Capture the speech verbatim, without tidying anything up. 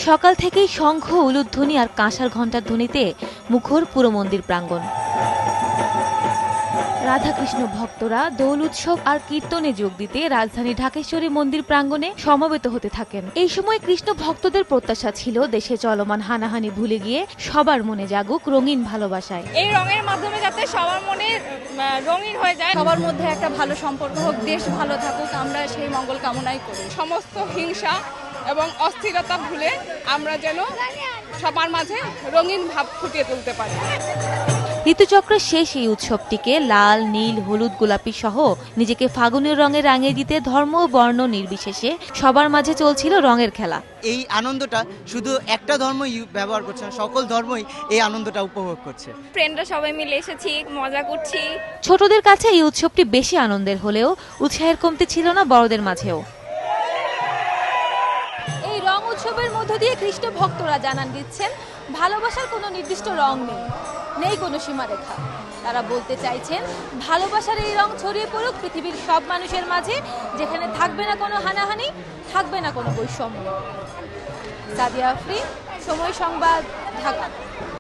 সকাল থেকেই শঙ্খ, উলুধ্বনি আর কাঁসার ঘণ্টার ধ্বনিতে মুখর পুরো মন্দির প্রাঙ্গণ। রাধাকৃষ্ণ ভক্তরা দোল উৎসব আর কীর্তনে যোগ দিতে রাজধানী ঢাকেশ্বরী মন্দির প্রাঙ্গণে সমবেত হতে থাকেন। এই সময় কৃষ্ণ ভক্তদের প্রত্যাশা ছিল দেশে চলমান হানাহানি ভুলে গিয়ে সবার মনে জাগুক রঙিন ভালোবাসায়। এই রঙের মাধ্যমে যাতে সবার মনে রঙিন হয়ে যায়, সবার মধ্যে একটা ভালো সম্পর্ক হোক, দেশ ভালো থাকুক, আমরা সেই মঙ্গল কামনাই করি। সমস্ত হিংসা এবং অস্থিরতা ভুলে আমরা যেন সবার মাঝে রঙিন ভাব ফুটিয়ে তুলতে পারি। ঋতুচক্রের শেষ এই উৎসবটিকে লাল, নীল, হলুদ, গোলাপি সহ নিজেকে ফাগুনের রঙে রাঙিয়ে দিতে ধর্ম ও বর্ণ নির্বিশেষে সবার মাঝে চলছিল রঙের খেলা। এই আনন্দটা শুধু একটা ধর্মই ব্যবহার করছে না, সকল ধর্মই এই আনন্দটা উপভোগ করছে। ফ্রেন্ডরা সবাই মিলে এসেছি, মজা করছি। ছোটদের কাছে এই উৎসবটি বেশি আনন্দের হলেও উৎসাহের কমতি ছিল না বড়দের মাঝেও। এই রং উৎসবের মধ্য দিয়ে কৃষ্ণ ভক্তরা জানান দিচ্ছেন ভালোবাসার কোনো নির্দিষ্ট রং নেই, নেই কোনো সীমারেখা। তারা বলতে চাইছেন ভালোবাসার এই রং ছড়িয়ে পড়ুক পৃথিবীর সব মানুষের মাঝে, যেখানে থাকবে না কোনো হানাহানি, থাকবে না কোনো বৈষম্য। সাদিয়া আফরিন, সময় সংবাদ, ঢাকা।